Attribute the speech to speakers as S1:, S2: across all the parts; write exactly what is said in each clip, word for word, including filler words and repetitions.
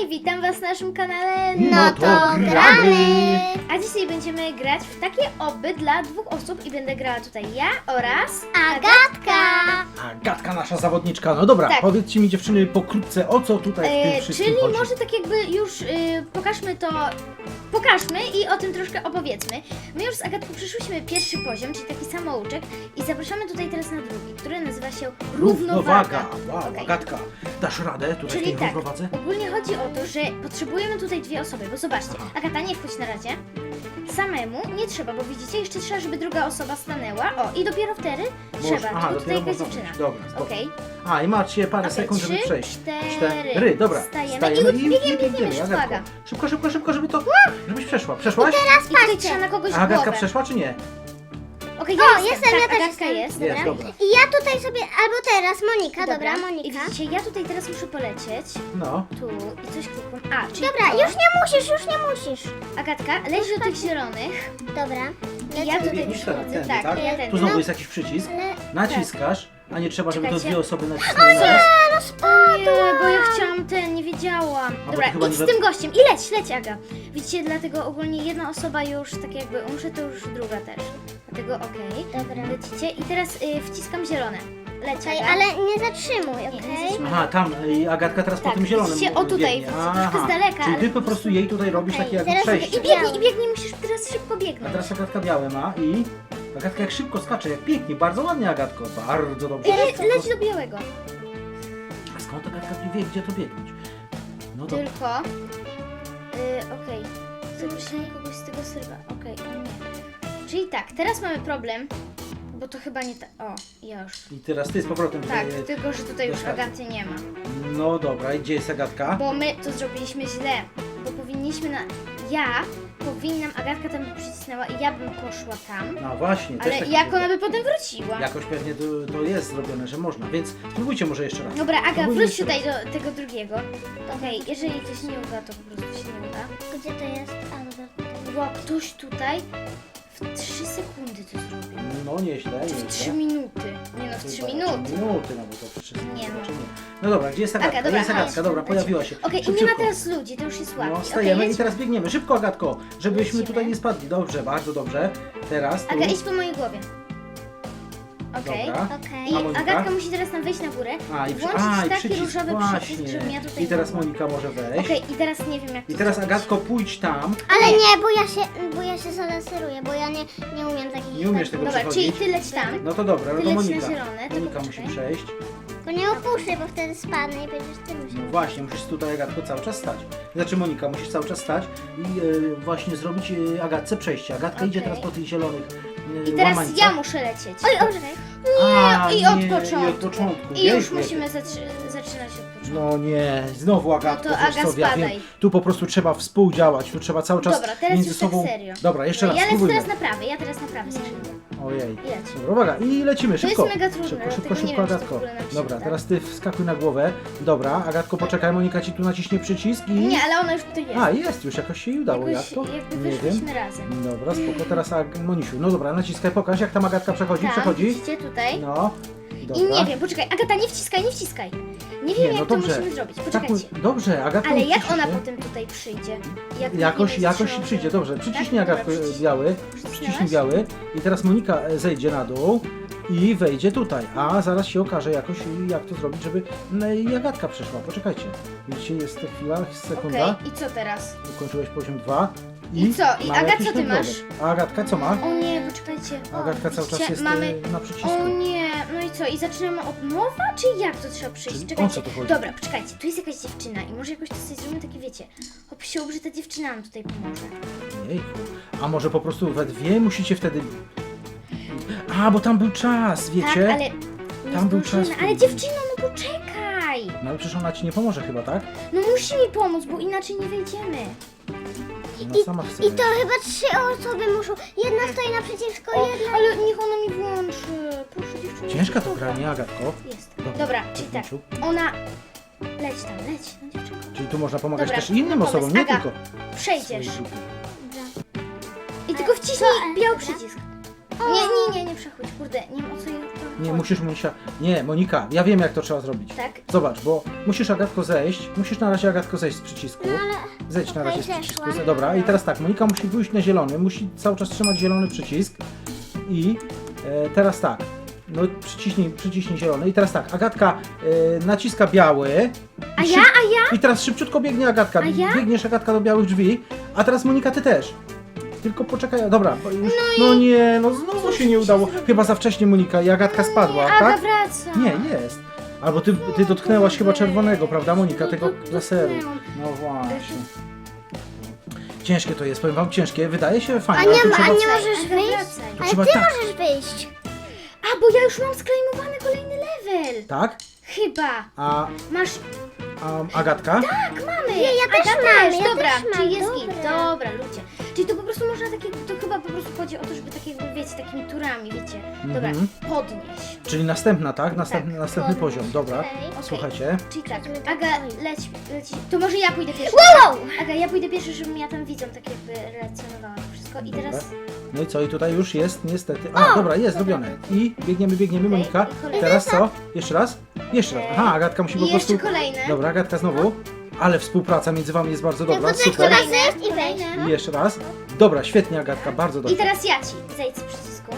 S1: witam was na naszym kanale
S2: No to gramy!
S1: A dzisiaj będziemy grać w takie oby dla dwóch osób i będę grała tutaj ja oraz
S2: Agatka!
S3: Agatka, nasza zawodniczka. No dobra,
S1: Tak.
S3: powiedzcie mi dziewczyny pokrótce, o co tutaj w tym
S1: E,
S3: wszystkim
S1: czyli
S3: chodzi.
S1: może tak jakby już y, pokażmy to, pokażmy i o tym troszkę opowiedzmy. My już z Agatką przeszłyśmy pierwszy poziom, czyli taki samouczek i zapraszamy tutaj teraz na drugi, który nazywa się Równowaga.
S3: Wow,
S1: Okej.
S3: Agatka, dasz radę tutaj w
S1: Czyli
S3: tej
S1: tak,
S3: równowadze?
S1: ogólnie chodzi o to, że potrzebujemy tutaj dwie osoby, bo zobaczcie,
S3: Aha.
S1: Agata, nie wchodź na razie. Samemu nie trzeba, bo widzicie, jeszcze trzeba, żeby druga osoba stanęła. O, i dopiero wtedy
S3: Może-
S1: trzeba,
S3: aha,
S1: tylko tutaj
S3: dopiero
S1: jakaś
S3: można
S1: dziewczyna.
S3: wejść. Dobra, spoko.
S1: Okej,
S3: A, i macie parę
S1: Okej,
S3: sekund, żeby
S1: trzy,
S3: przejść.
S1: cztery.
S3: Dobra,
S1: Stajemy
S3: stajemy
S1: i
S3: i
S1: biegiem, biegniemy,
S3: biegniemy. Agatko.
S1: szpaga.
S3: Szybko, szybko, szybko, żeby to, żebyś przeszła. Przeszłaś?
S1: I tutaj trzeba na kogoś
S3: A Agatka
S1: głowę.
S3: przeszła, czy nie?
S1: Okej,
S2: O,
S1: ja
S2: jestem,
S1: tak,
S2: ja też
S1: Agatka
S2: jestem.
S1: jest,
S3: Jest,
S1: dobra.
S3: dobra.
S2: I ja tutaj sobie, albo teraz Monika, dobra,
S1: I
S2: Monika.
S1: widzicie, ja tutaj teraz muszę polecieć.
S3: No.
S1: Tu i coś klikam. A, czyli
S2: Dobra,
S1: to.
S2: już nie musisz, już nie musisz.
S1: Agatka, leć do tych zielonych.
S2: Dobra.
S1: I ja tutaj
S3: biegniesz teraz,
S1: przychodzę.
S3: tędy,
S1: Tak,
S3: tak?
S1: ja
S3: Tu
S1: tędy.
S3: znowu
S2: No.
S3: jest jakiś przycisk.
S2: Ale...
S3: Naciskasz, a nie trzeba, żeby to
S1: Czekajcie.
S3: dwie osoby nacisnęły na raz.
S2: no spadła.
S1: Nie, bo ja chciałam ten, nie wiedziałam.
S3: bo
S1: Dobra,
S3: to chyba
S1: idź
S3: nie
S1: z
S3: za-
S1: tym gościem i leć, leć Aga. Widzicie, dlatego ogólnie jedna osoba już tak jakby umrze, to już druga też. Dlatego okej.
S2: Dobra.
S1: Lecicie i teraz y, wciskam zielone. Leć
S2: Okej,
S1: Aga.
S2: ale nie zatrzymuj,
S1: Nie,
S2: okej?
S1: nie zatrzymuj.
S3: Aha, tam i Agatka teraz
S1: Tak,
S3: po tym zielonym
S1: widzicie, o tutaj,
S3: biegnie.
S1: widzicie, troszkę z daleka,
S3: Czyli
S1: ale
S3: ty po prostu jej tutaj robisz
S2: Okej,
S3: takie jakby
S2: zaraz
S3: przejście.
S1: I biegnij, i biegnij, musisz teraz szybko
S3: A
S1: biegnąć.
S3: teraz Agatka białe ma i Agatka jak szybko skacze, jak pięknie, bardzo ładnie Agatko, bardzo dobrze.
S1: Le, leć do białego.
S3: A skąd Agatka wie, gdzie to biegnąć? No to
S1: Tylko. Y, okej. Zaprosimy kogoś z tego serwa. Okej, o nie. Czyli tak, teraz mamy problem, bo to chyba nie tak. O, ja już.
S3: i teraz ty z powrotem.
S1: Tak,
S3: e,
S1: tylko że tutaj już
S3: Dostaję.
S1: Agaty nie ma.
S3: No dobra, i gdzie jest Agatka?
S1: Bo my to zrobiliśmy źle. Bo powinniśmy na. Ja powinnam, Agatka tam by przycisnęła i ja bym poszła tam.
S3: No właśnie, też
S1: Ale
S3: tak
S1: jak
S3: mówię.
S1: ona by potem wróciła?
S3: Jakoś pewnie to, to jest zrobione, że można, więc spróbujcie może jeszcze raz.
S1: Dobra, Aga,
S3: Spróbujmy
S1: wróć
S3: jeszcze
S1: tutaj
S3: raz.
S1: do tego drugiego. Okej, jeżeli coś nie uda, to po prostu się nie uda.
S2: Gdzie to jest? A, dobra.
S1: Wow, ktoś tutaj w trzy sekundy to zrobił.
S3: No nieźle,
S1: Czy w
S3: nieźle.
S1: trzy minuty? Nie no, w trzy
S3: Chyba
S1: minuty.
S3: Minuty, no bo to trzy
S1: Nie no.
S3: znaczy nie. No dobra, gdzie jest Agatka?
S1: Aga, dobra,
S3: jest Agatka,
S1: chodź.
S3: dobra, pojawiła się.
S1: Okej, i
S3: Szybciutko.
S1: nie ma teraz ludzi, to już jest łatwiej.
S3: No,
S1: Okej,
S3: stajemy
S1: jedź.
S3: i teraz biegniemy. Szybko, Agatko, żebyśmy
S1: Lecimy.
S3: tutaj nie spadli. Dobrze, bardzo dobrze. Teraz tu.
S1: Aga, idź po mojej głowie. Okej.
S3: Dobra.
S2: Okej.
S1: I
S3: A Monika?
S1: Agatka musi teraz tam wejść na górę.
S3: A, i, przy...
S1: włączyć
S3: A, i
S1: taki
S3: przycisk,
S1: różowy
S3: właśnie.
S1: przycisk, żebym ja tutaj
S3: I teraz
S1: była.
S3: Monika może wejść.
S1: Okej, i teraz nie wiem jak to
S3: I teraz
S1: zrobić.
S3: Agatko, pójdź tam.
S2: Ale nie, bo ja się, bo ja się zalaseruję, bo ja nie, nie umiem takich...
S3: Nie umiesz tego
S1: Dobra, czyli
S3: przechodzić.
S1: ty leć tam.
S3: No to dobra, no
S1: Ty
S3: to
S1: leć na
S3: Monika.
S1: zielone, to
S3: Monika musi
S1: poczekaj.
S3: przejść.
S2: Tylko nie opuszczę, bo wtedy spadnę i będziesz ty
S3: No
S2: musiał.
S3: właśnie, musisz tutaj Agatko cały czas stać. Znaczy Monika, musisz cały czas stać i e, właśnie zrobić e, Agatce przejście. Agatka idzie
S1: Okej.
S3: teraz po tych zielonych e,
S1: I teraz
S3: łamańcach.
S1: ja muszę lecieć.
S2: Oj, oj, czekaj.
S3: A,
S1: I od
S3: nie,
S1: początku.
S3: I od początku.
S1: I już
S3: Jejku,
S1: musimy zatrzy- zaczynać od początku.
S3: No nie, znowu Agatko,
S1: No to
S3: wiesz
S1: Aga,
S3: co, ja
S1: spadaj.
S3: wiem, tu po prostu trzeba współdziałać, tu trzeba cały czas
S1: Dobra, teraz
S3: między
S1: już
S3: sobą...
S1: tak serio.
S3: Dobra, jeszcze
S1: No,
S3: raz,
S1: ja lecę
S3: spróbujmy.
S1: teraz na prawy, ja teraz na prawy skrzydło.
S3: Ojej.
S1: I leć.
S3: Dobra, uwaga, i lecimy,
S1: To
S3: szybko.
S1: jest mega trudne,
S3: Szybko,
S1: dlatego
S3: szybko,
S1: nie
S3: szybko,
S1: wiem, czy to w
S3: Agatko.
S1: ogóle nam się
S3: Dobra,
S1: uda.
S3: teraz ty wskakuj na głowę. Dobra, Agatko, poczekaj, Monika ci tu naciśnie przycisk i...
S1: Nie, ale ona już tutaj jest.
S3: A, jest, już jakoś się jej udało,
S1: Jakoś,
S3: jak to?
S1: jakby
S3: Nie wiem.
S1: wyszliśmy razem.
S3: Dobra, spoko, teraz Ag- Monisiu. No dobra, naciskaj, pokaż jak tam Agatka przechodzi,
S1: Tam,
S3: przechodzi.
S1: widzicie tutaj?
S3: No,
S1: I
S3: dobra.
S1: nie wiem, poczekaj, Agata, nie wciskaj, nie wciskaj. Nie wiem,
S3: Nie, no
S1: jak
S3: dobrze.
S1: to musimy zrobić.
S3: Tak,
S1: Poczekajcie.
S3: mu- dobrze, Agatka
S1: Ale
S3: nie
S1: jak
S3: wciśnie.
S1: ona potem tutaj przyjdzie? Jak
S3: Jakoś,
S1: nie
S3: jakoś
S1: będzie
S3: przyjdzie,
S1: trzymał-
S3: dobrze. Przyciśnij
S1: Tak?
S3: Agatko
S1: Dobra, przyciś-
S3: biały,
S1: Przycisnęłaś?
S3: przyciśnij biały i teraz Monika e, zejdzie na dół i wejdzie tutaj, a zaraz się okaże jakoś jak to zrobić, żeby no, i Agatka przeszła. Poczekajcie. Widzicie, jest ta chwila, sekunda.
S1: Okej, i co teraz?
S3: Ukończyłeś poziom dwa.
S1: I co? I
S3: mamy
S1: Aga,
S3: jakieś
S1: co ty
S3: nagrody.
S1: masz?
S3: A Agatka co ma?
S1: O nie, poczekajcie. O,
S3: Agatka cały czas
S1: widzicie,
S3: jest
S1: mamy...
S3: e, na przycisku.
S1: O nie, no i co? I zaczynamy od nowa? Czy jak to trzeba przyjść?
S3: Czyli o
S1: Czekajcie.
S3: co tu chodzi?
S1: Dobra, poczekajcie, tu jest jakaś dziewczyna i może jakoś to sobie zrobimy takie, wiecie, hop sił, że ta dziewczyna nam tutaj pomoże.
S3: Jejku. A może po prostu we dwie musicie wtedy... A, bo tam był czas, wiecie?
S1: Tak, ale nie
S3: Tam był
S1: zdążymy.
S3: czas.
S1: Ale dziewczyno, no poczekaj!
S3: No ale przecież ona ci nie pomoże chyba, tak?
S1: No musi mi pomóc, bo inaczej nie wejdziemy.
S3: Ona sama chce
S2: I to chyba trzy osoby muszą. Jedna stoi naprzeciwko
S1: O,
S2: jednej.
S1: ale niech ona mi włączy. Proszę dziewczyno.
S3: Ciężka to gra, nie Agatko?
S1: Jest.
S3: Dobra,
S1: Dobra, czyli tak.
S3: Mieciu.
S1: Ona... Leć tam, leć, no dziewczynko.
S3: Czyli tu można pomagać
S1: Dobra,
S3: też innym
S1: no
S3: osobom,
S1: pomysł.
S3: nie
S1: Aga,
S3: tylko
S1: Przejdziesz.
S3: swojej grupie.
S1: I tylko wciśnij
S2: Co?
S1: biały
S2: Dobra.
S1: przycisk. Nie, nie, nie, nie przechodź, kurde, nie wiem o co jej...
S3: Nie, musisz Monisia... Nie, Monika, ja wiem jak to trzeba zrobić.
S1: Tak?
S3: Zobacz, bo musisz Agatko zejść, musisz na razie Agatko zejść z przycisku.
S2: No ale...
S3: Zejdź na razie z
S2: Okej,
S3: przycisku.
S2: zeszłam.
S3: Dobra, i teraz tak, Monika musi pójść na zielony, musi cały czas trzymać zielony przycisk. I e, teraz tak, no przyciśnij, przyciśnij zielony. I teraz tak, Agatka e, naciska biały.
S1: A
S3: I
S1: ja,
S3: szyb-
S1: a ja?
S3: I teraz szybciutko biegnie Agatka.
S1: A ja?
S3: Biegniesz Agatka do białych drzwi, a teraz Monika ty też. Tylko poczekaj, dobra, bo już, no, nie, no znowu się nie udało. Chyba za wcześnie Monika i Agatka spadła,
S1: Aga
S3: tak?
S1: wraca.
S3: Nie, jest. Albo ty, ty dotknęłaś chyba czerwonego, prawda Monika,
S1: No,
S3: tego
S1: do-
S3: laseru.
S1: dotknęłam.
S3: No właśnie. Ciężkie to jest, powiem wam, ciężkie. Wydaje się
S2: A
S3: fajne,
S2: nie,
S3: ale to
S2: ma- a
S3: trzeba...
S2: nie możesz
S1: Aga,
S2: wyjść?
S1: wracaj.
S3: To
S2: Ale
S3: trzeba
S2: ty
S3: tak.
S2: możesz wyjść.
S1: A, bo ja już mam sklejmowany kolejny level.
S3: Tak?
S1: Chyba.
S3: A,
S1: Masz...
S3: a Agatka?
S1: Tak, mamy.
S2: Nie, ja też
S1: Aga
S2: mam, ja
S1: Dobra,
S2: też mam,
S1: czyli jest
S2: dobra.
S1: git. Dobra, ludzie. Czyli to po prostu można takie... To chyba po prostu chodzi o to, żeby tak jakby, wiecie, takimi turami, wiecie. Dobra,
S3: Mhm.
S1: podnieś.
S3: Czyli następna, tak? Następny,
S1: Tak,
S3: następny
S2: podnieś.
S3: poziom, dobra.
S2: Okej.
S3: Słuchajcie.
S1: Czyli tak,
S2: Zobaczymy, tak
S1: Aga,
S2: dalej.
S1: leć, leć. To może ja pójdę pierwszy.
S2: Wow!
S1: Aga, ja pójdę pierwszy, żebym ja tam widzą, tak jakby relacjonowała to wszystko. I teraz...
S3: No i co? I tutaj już jest niestety... A, dobra, jest zrobione. I biegniemy, biegniemy,
S1: Okej,
S3: Monika.
S1: i kolejny.
S3: Teraz co? Jeszcze raz? Jeszcze raz. Aha, Agatka musi po
S1: I jeszcze
S3: prostu...
S1: kolejne.
S3: Dobra, Agatka znowu. Ale współpraca między wami jest bardzo dobra,
S2: Tylko
S3: super.
S2: trzeba zejść i wejść.
S3: I jeszcze raz. Dobra, świetnie Agatka, bardzo
S1: I
S3: dobrze.
S1: teraz ja ci. Zejdź z przycisku.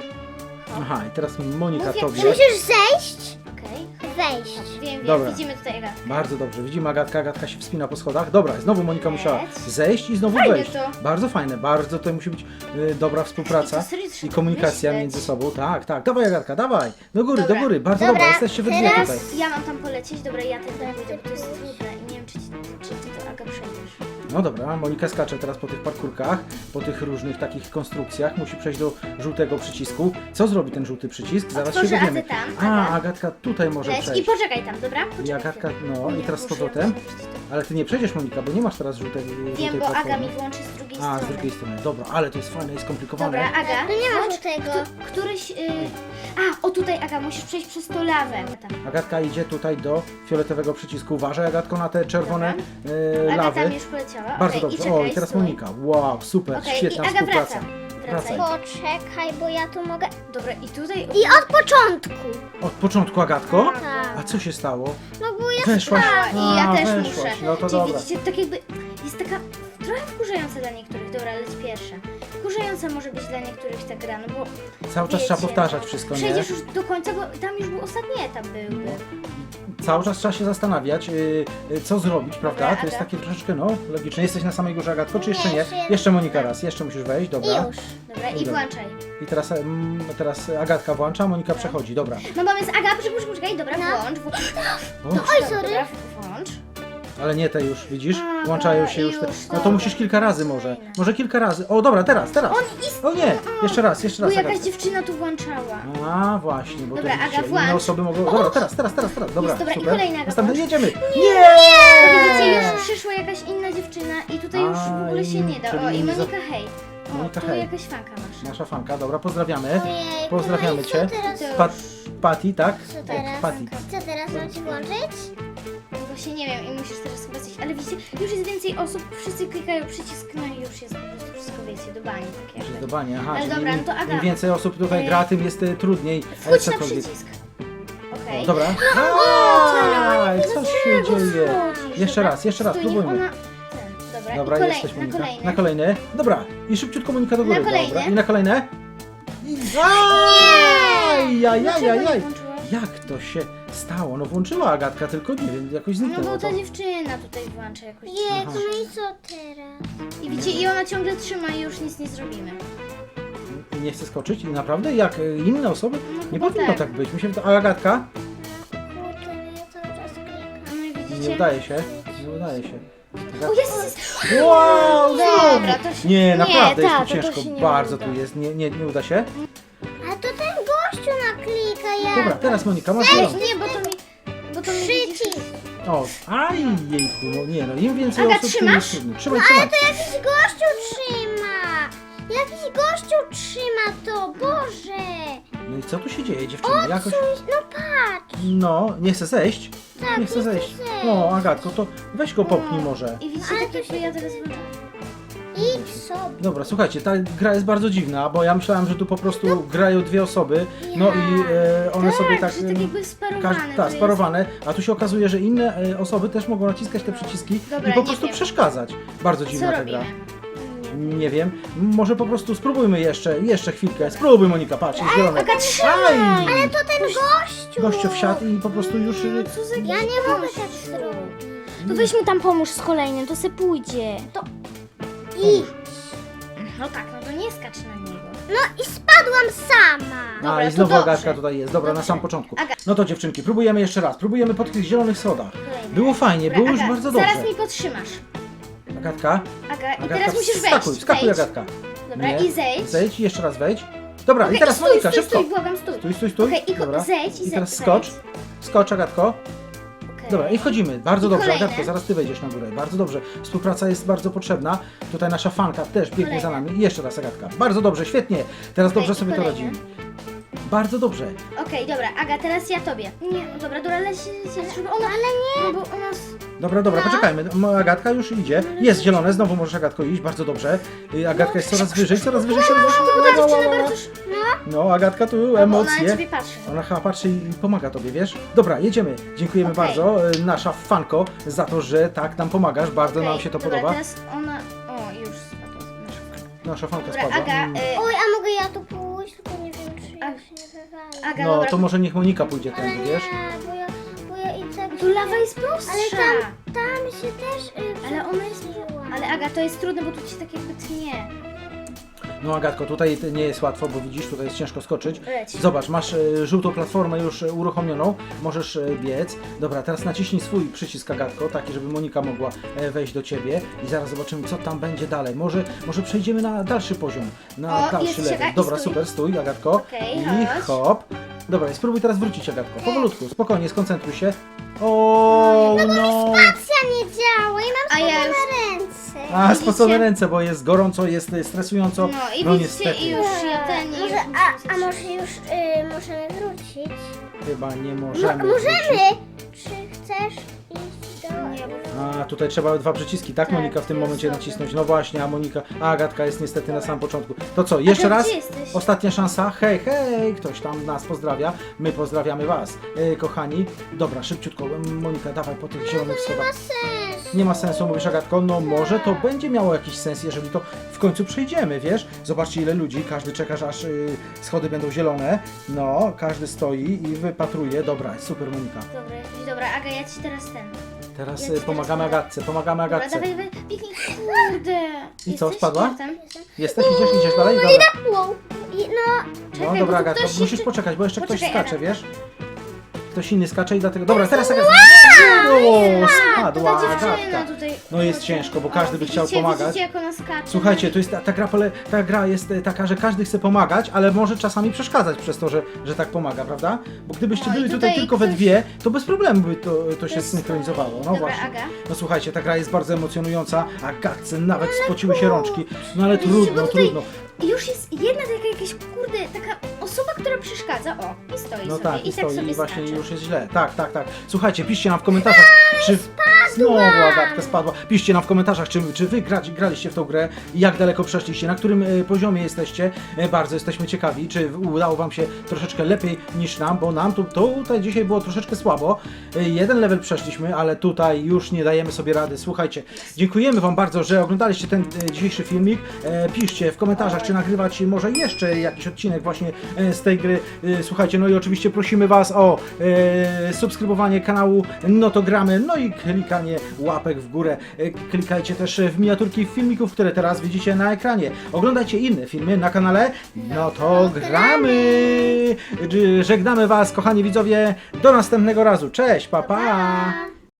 S3: Aha, i teraz Monika
S1: Mów jak
S3: tobie.
S2: Musisz zejść,
S1: Okej.
S2: wejść.
S1: Wiem, wiem.
S3: Dobra.
S1: Widzimy tutaj Aga.
S3: Bardzo dobrze, widzimy Agatka, Agatka się wspina po schodach. Dobra, znowu Monika musiała
S1: Leć.
S3: zejść i znowu
S1: Fajne
S3: wejść.
S1: to.
S3: Bardzo fajne, bardzo to musi być y, dobra współpraca
S1: I to serio
S3: i
S1: trzeba
S3: komunikacja
S1: myśleć.
S3: między sobą. Tak, tak, dawaj Agatka, dawaj. Do góry,
S1: Dobra.
S3: do góry, bardzo
S2: Dobra,
S3: dobra, jesteście we dwie
S2: teraz-
S3: tutaj.
S1: Ja mam tam polecieć. Dobra, ja ten tam pójdę, bo to jest trudne i nie wiem, czy, ci, czy ty to Aga przejdziesz.
S3: No dobra, Monika skacze teraz po tych parkurkach, po tych różnych takich konstrukcjach, musi przejść do żółtego przycisku. Co zrobi ten żółty przycisk? Zaraz
S1: Otworzę,
S3: się
S1: a ty
S3: dowiemy.
S1: tam,
S3: A,
S1: Aga.
S3: Agatka tutaj może
S1: Leć i
S3: przejść.
S1: poczekaj tam, dobra? Poczekaj
S3: I Agatka,
S1: chwilę.
S3: no i
S1: Nie,
S3: teraz z
S1: muszę
S3: powrotem.
S1: ją zobaczyć to.
S3: Ale ty nie przejdziesz Monika, bo nie masz teraz żółtej, żółtej
S1: Wiem, bo Aga
S3: platformy.
S1: mi włączy z drugiej
S3: A,
S1: strony.
S3: z drugiej strony. Dobra, ale to jest fajne i skomplikowane.
S1: Dobra, Aga,
S2: Tu nie ma
S1: włącz
S2: żółtego.
S1: któ- któryś... Y... A, o tutaj Aga, musisz przejść przez to lawę. Tam.
S3: Agatka idzie tutaj do fioletowego przycisku. Uważaj Agatko na te czerwone e,
S1: Aga
S3: lawy.
S1: tam już poleciała.
S3: Bardzo
S1: Okej,
S3: dobrze.
S1: I czekaj,
S3: o, i teraz
S1: stój.
S3: Monika. Wow, super,
S1: Okej,
S3: świetna
S1: i Aga
S3: współpraca.
S1: wraca.
S3: Wracaj.
S1: Wracaj.
S2: Poczekaj, bo ja tu mogę...
S1: Dobra, i tutaj...
S2: I od początku.
S3: Od początku Agatko?
S2: Tak.
S3: A co się stało?
S2: No bo ja
S3: Weszłaś.
S1: I ja
S3: A,
S1: też
S3: weszłaś.
S1: muszę.
S3: No to
S1: Czyli
S3: dobra.
S1: widzicie, tak jakby jest taka trochę wkurzająca dla niektórych. Dobra, leć pierwsza. Wkurzająca może być dla niektórych ta gra, no bo
S3: Cały czas
S1: wiecie,
S3: trzeba powtarzać wszystko, nie?
S1: przejdziesz już do końca, bo tam już był ostatni etap byłby.
S3: Cały czas trzeba się zastanawiać, y, y, co zrobić, prawda?
S1: Dobra,
S3: To jest
S1: Aga.
S3: takie troszeczkę, no, logiczne. Jesteś na samej górze Agatko, czy jeszcze
S2: Nie,
S3: nie?
S2: jeszcze
S3: Jeszcze Monika raz, jeszcze musisz wejść, dobra.
S2: I już.
S1: Dobra, i
S3: Dobra.
S1: włączaj.
S3: I teraz, mm, teraz Agatka włącza, Monika przechodzi, dobra.
S1: No bo jest Aga, poczekaj, poczekaj, dobra,
S2: No.
S1: włącz, włącz.
S3: O,
S2: Oj, sorry.
S1: Dobra, włącz.
S3: ale nie te już, widzisz?
S1: A,
S3: Włączają się już te...
S1: już,
S3: No to
S1: dobra.
S3: musisz kilka razy może. Może kilka razy. O, dobra, teraz, teraz. O nie, jeszcze raz, jeszcze
S1: Bo
S3: raz.
S1: jakaś
S3: Agatka.
S1: dziewczyna tu włączała.
S3: A, właśnie, bo
S1: Dobra,
S3: to widzicie,
S1: Aga, włącz.
S3: inne osoby mogą... Dobra, teraz, teraz, teraz, teraz, dobra,
S1: Jest, dobra, i
S3: super.
S1: kolejna Aga,
S3: Następny,
S1: włącz.
S3: jedziemy.
S1: Bo widzicie,
S3: Nie!
S1: już przyszła jakaś inna dziewczyna i tutaj już w ogóle się nie da. O,
S3: czyli
S1: i
S3: nie za-
S1: Monika, hej. O,
S3: Monika,
S1: tu
S3: hej.
S1: jakaś fanka masz.
S3: Nasza fanka, dobra, pozdrawiamy.
S2: Ojej,
S3: Pozdrawiamy
S2: no i co
S3: cię.
S2: teraz?
S1: To
S3: Pat, Patty, tak?
S2: Co teraz?
S3: Patty.
S2: Co teraz mam ci włączyć?
S1: No właśnie nie wiem i musisz teraz chyba coś, ale widzicie, już jest więcej osób, wszyscy klikają przycisk, no i już jest po prostu wszystko, wiecie, do bani, tak jakby.
S3: Zdecydowanie, aha,
S1: Ale
S3: czyli
S1: dobra,
S3: im,
S1: no to Aga.
S3: im więcej osób tutaj
S1: Ej.
S3: gra, tym jest e, trudniej. e,
S1: Wchodź na
S3: cokolwiek.
S1: przycisk. Okej.
S3: O, dobra. Aj, co się dzieje? Jeszcze raz, jeszcze raz,
S1: Stój, niech
S3: próbujmy.
S1: ona... Ten, dobra,
S3: Dobra,
S1: i kolej,
S3: jesteś
S1: na
S3: Monika.
S1: kolejny.
S3: Na kolejny. Dobra, i szybciutko Monika do góry.
S1: Na kolejny.
S3: Dobra, i na kolejne. I... Aj, jaj, jaj,
S1: Dlaczego
S3: jaj,
S1: nie
S3: jaj.
S1: włączyłaś?
S3: Jak to się stało? No włączyła Agatka, tylko nie wiem, jakoś
S1: No
S3: zniknęło
S1: bo
S3: to.
S1: ta dziewczyna tutaj włącza jakoś.
S2: Jej,
S3: Aha.
S2: no i co teraz?
S1: I widzicie, i ona ciągle trzyma i już nic nie zrobimy.
S3: I nie chce skoczyć i naprawdę jak e, inne osoby?
S1: No
S3: Nie
S1: chyba
S3: powinno
S1: tak.
S3: tak być. Mi się wyda... A Agatka?
S2: Kurde, ja cały czas klikam.
S1: No i widzicie?
S3: Nie udaje się. Nie udaje się.
S1: O, jest, jest.
S3: Wow, znowu!
S1: Dobra, to się...
S3: Nie, naprawdę jest
S1: tak,
S3: tu
S1: to
S3: ciężko.
S1: się nie
S3: Bardzo
S1: uda.
S3: tu jest. Nie, nie, nie uda się.
S2: A to ten gościu naklika, ja.
S3: Dobra, teraz Monika, masz
S1: Ej,
S3: zielony.
S1: nie, bo to mi... Bo to mi widzisz...
S2: Przycisk.
S3: O, aj, jejku, no nie no, im więcej
S1: Aga,
S3: osób, tym
S1: trzymasz?
S3: jest trudniej. Trzymaj, trzymaj.
S2: To jakiś gościu trzyma. Jakiś gościu trzyma to, Boże.
S3: No i co tu się dzieje, dziewczyny? Jakoś...
S2: Coś, no patrz.
S3: No, nie chce zejść?
S2: Tak,
S3: Nie chce
S2: nie chce
S3: zejść.
S2: zejść.
S3: No, Agatko, to weź go popchnij może.
S1: I widzicie,
S2: Ale
S1: tak
S2: to
S1: jakby
S2: się
S1: ja teraz włączam.
S2: Idź sobie.
S3: Dobra, słuchajcie, ta gra jest bardzo dziwna, bo ja myślałem, że tu po prostu grają dwie osoby, no i e, one
S1: Tak,
S3: sobie tak...
S1: że tak jakby sparowane.
S3: Każ-
S1: to
S3: tak,
S1: jest-
S3: sparowane, a tu się okazuje, że inne e, osoby też mogą naciskać te przyciski
S1: Dobra,
S3: i po
S1: nie
S3: prostu
S1: wiem.
S3: przeszkadzać. Bardzo dziwna
S1: Co
S3: ta
S1: robimy?
S3: gra. Nie wiem, może po prostu spróbujmy jeszcze, jeszcze chwilkę. Spróbuj, Monika, patrz, jest zielone.
S1: Aga,
S3: Aj!
S2: Ale to ten gościu.
S3: Gościu wsiadł i po prostu już... y,
S1: Co za
S2: Ja nie mogę tak zrobić.
S1: To weźmy tam pomóż z kolejnym, to se pójdzie. To...
S2: I,
S1: No tak, no to nie skacz na niego.
S2: no i spadłam sama.
S3: A,
S1: Dobra,
S3: i
S1: to
S3: znowu
S1: dobrze.
S3: Agatka tutaj jest, dobra, na
S1: Dobrze.
S3: sam początku.
S1: Aga-
S3: No to dziewczynki, próbujemy jeszcze raz, próbujemy po tych zielonych schodach.
S1: Kolejny.
S3: Było fajnie,
S1: Dobra,
S3: było już
S1: Aga,
S3: bardzo dobrze.
S1: Zaraz mi podtrzymasz.
S3: Agatka,
S1: Aga, i
S3: Agatka,
S1: teraz musisz wejść.
S3: wskakuj, wskakuj
S1: Wejdź.
S3: Agatka.
S1: Dobra,
S3: Nie.
S1: i zejdź.
S3: Zejdź i jeszcze raz wejdź. Dobra,
S1: Okej,
S3: i teraz
S1: stój,
S3: Monika,
S1: stój,
S3: szybko.
S1: Stój, błagam, stój.
S3: Stój, stój, stój.
S1: Okej, i ko-
S3: Dobra.
S1: zejdź i
S3: I teraz
S1: zejdź.
S3: skocz. Skocz, Agatko.
S1: Okej.
S3: Dobra, i wchodzimy. Bardzo
S1: I
S3: dobrze,
S1: kolejne.
S3: Agatko, zaraz ty wejdziesz na górę. Bardzo dobrze. Współpraca jest bardzo potrzebna. Tutaj nasza fanka też biegnie
S1: Kolejne.
S3: za nami. I jeszcze raz, Agatka. Bardzo dobrze, świetnie. Teraz
S1: Okej,
S3: dobrze
S1: i
S3: sobie to
S1: kolejne.
S3: radzimy. Bardzo dobrze.
S1: Okej, dobra, Aga, teraz ja tobie. Nie, no dobra, dobra, leć, leć, żeby ona... Ale nie! No bo ona... s-
S3: Dobra, dobra, poczekajmy. M- Agatka już idzie. Jest zielone, znowu możesz, Agatko, iść. Bardzo dobrze. Y, Agatka jest coraz wyżej, coraz wyżej, coraz wyżej.
S1: Bo ta
S3: Ła, ła,
S1: dziewczyna
S3: ła, ła.
S1: bardzo... sz-
S3: No, Agatka, tu
S1: Bo ona na
S3: emocje.
S1: ciebie patrzy.
S3: Ona chyba patrzy i pomaga tobie, wiesz? Dobra, jedziemy. Dziękujemy
S1: Okej.
S3: bardzo, y, nasza fanko, za to, że tak nam pomagasz. Bardzo
S1: Okej,
S3: nam się to
S1: dobra,
S3: podoba.
S1: teraz ona... O, już spadła nasza fanka.
S3: Nasza fanka
S1: Dobra,
S3: spadła.
S1: Aga,
S3: Mm.
S1: y,
S2: Oj, a mogę ja tu pójść? Tylko nie wiem, czy ja
S1: A-
S2: się nie wywalę.
S1: Aga,
S3: No,
S1: dobra.
S3: to może niech Monika pójdzie
S2: Ale
S3: tędy,
S2: nie,
S3: wiesz?
S2: bo ja, bo ja i tak...
S1: Tu lawa jest prostsza.
S2: Ale tam, tam się też... Y,
S1: Ale ona jest...
S2: przebiłam.
S1: Ale Aga, to jest trudne, bo tu ci tak jakby tnie.
S3: No, Agatko, tutaj nie jest łatwo, bo widzisz, tutaj jest ciężko skoczyć.
S1: Leć.
S3: Zobacz, masz e, żółtą platformę już e, uruchomioną, możesz e, biec. Dobra, teraz naciśnij swój przycisk, Agatko, taki, żeby Monika mogła e, wejść do ciebie i zaraz zobaczymy, co tam będzie dalej. Może, może przejdziemy na dalszy poziom, na
S1: O,
S3: dalszy
S1: jest,
S3: level.
S1: czekaj,
S3: Dobra,
S1: stój.
S3: super, stój, Agatko.
S1: Okej,
S3: I
S1: chodź.
S3: hop. Dobra, i spróbuj teraz wrócić, Agatko. Powolutku, spokojnie, skoncentruj się. O, no.
S2: Spacja nie działa i mam
S1: A ja
S2: spocone
S1: już-
S2: ręce.
S3: A,
S1: Widzicie?
S3: spocone ręce, bo jest gorąco, jest e, stresująco.
S1: No i
S3: no
S1: widzicie,
S3: niestety,
S1: i już ja ten... i
S2: Może,
S1: już
S2: a, a może już y, możemy wrócić?
S3: chyba nie
S2: Mo-
S3: możemy.
S2: możemy!
S3: wrócić.
S2: Czy chcesz iść do...
S1: Nie, bo-
S3: A, tutaj trzeba dwa przyciski, tak,
S1: Tak,
S3: Monika, w tym
S1: to jest
S3: momencie
S1: dobre.
S3: nacisnąć. No właśnie, a Monika, a Agatka jest niestety na samym początku. To co, jeszcze
S1: Aga,
S3: raz?
S1: gdzie jesteś?
S3: Ostatnia szansa. Hej, hej, ktoś tam nas pozdrawia. My pozdrawiamy was, e, kochani. Dobra, szybciutko, Monika, dawaj po tych zielonych schodach.
S2: Sens.
S3: Nie ma sensu, mówisz, Agatko, no może to będzie miało jakiś sens, jeżeli to w końcu przejdziemy, wiesz? Zobaczcie, ile ludzi, każdy czeka, aż y, schody będą zielone. No, każdy stoi i wypatruje. Dobra, super, Monika.
S1: Dobra, jakiś- dobra, Aga, ja ci teraz ten.
S3: Teraz
S1: Ja
S3: y,
S1: ci teraz
S3: pomagamy
S1: podam.
S3: Agatce, pomagamy
S1: Dobra,
S3: Agatce.
S1: dawaj, dawaj, piknij. Kurde.
S3: I co,
S1: Jesteś?
S3: spadła?
S1: Jak tam?
S3: Jesteś, idziesz, idziesz dalej? Dobra.
S2: Wow. I, no,
S3: No
S1: Czekaj,
S3: dobra,
S1: bo tu
S3: Agatko,
S1: ktoś
S3: musisz
S1: jeszcze-
S3: poczekać, bo jeszcze ktoś
S1: Poczekaj,
S3: skacze,
S1: Aga.
S3: wiesz? Ktoś inny skacze i dlatego... Dobra, teraz Agatka... O, spadła
S1: Ta dziewczyna
S3: Agatka.
S1: tutaj.
S3: No jest ciężko, bo każdy by chciał
S1: widzicie,
S3: pomagać.
S1: Widzicie, jak ona skacze.
S3: Słuchajcie, to jest ta, ta, gra, pole, ta gra jest e, taka, że każdy chce pomagać, ale może czasami przeszkadzać przez to, że, że tak pomaga, prawda? Bo gdybyście
S1: No i
S3: byli tutaj,
S1: tutaj
S3: tylko we
S1: ktoś-
S3: dwie, to bez problemu by to, to się
S1: Ktoś
S3: synchronizowało. No
S1: Dobra,
S3: właśnie.
S1: Aga.
S3: No słuchajcie, ta gra jest bardzo emocjonująca, a Gatce nawet spociły się rączki. No ale
S1: Widzicie,
S3: trudno,
S1: bo tutaj-
S3: trudno.
S1: I już jest jedna taka jakaś, kurde, taka osoba, która przeszkadza. O, i stoi
S3: No
S1: sobie.
S3: tak,
S1: I,
S3: i
S1: tak
S3: stoi
S1: sobie
S3: i właśnie
S1: skacze.
S3: już jest źle. Tak, tak, tak. Słuchajcie, piszcie nam w komentarzach, czy... Znowu Agatka spadła. Piszcie nam w komentarzach, czy, czy wy grać, graliście w tą grę i jak daleko przeszliście, na którym e, poziomie jesteście. E, bardzo jesteśmy ciekawi, czy udało wam się troszeczkę lepiej niż nam, bo nam tu, tutaj dzisiaj było troszeczkę słabo. E, jeden level przeszliśmy, ale tutaj już nie dajemy sobie rady. Słuchajcie, dziękujemy wam bardzo, że oglądaliście ten e, dzisiejszy filmik. E, piszcie w komentarzach, czy nagrywać może jeszcze jakiś odcinek właśnie e, z tej gry. E, słuchajcie, no i oczywiście prosimy was o e, subskrybowanie kanału No to gramy, no i klikanie łapek w górę. E, Klikajcie też w miniaturki filmików, które teraz widzicie na ekranie. Oglądajcie inne filmy na kanale No to gramy. Żegnamy was, kochani widzowie. Do następnego razu. Cześć, pa pa!
S2: pa.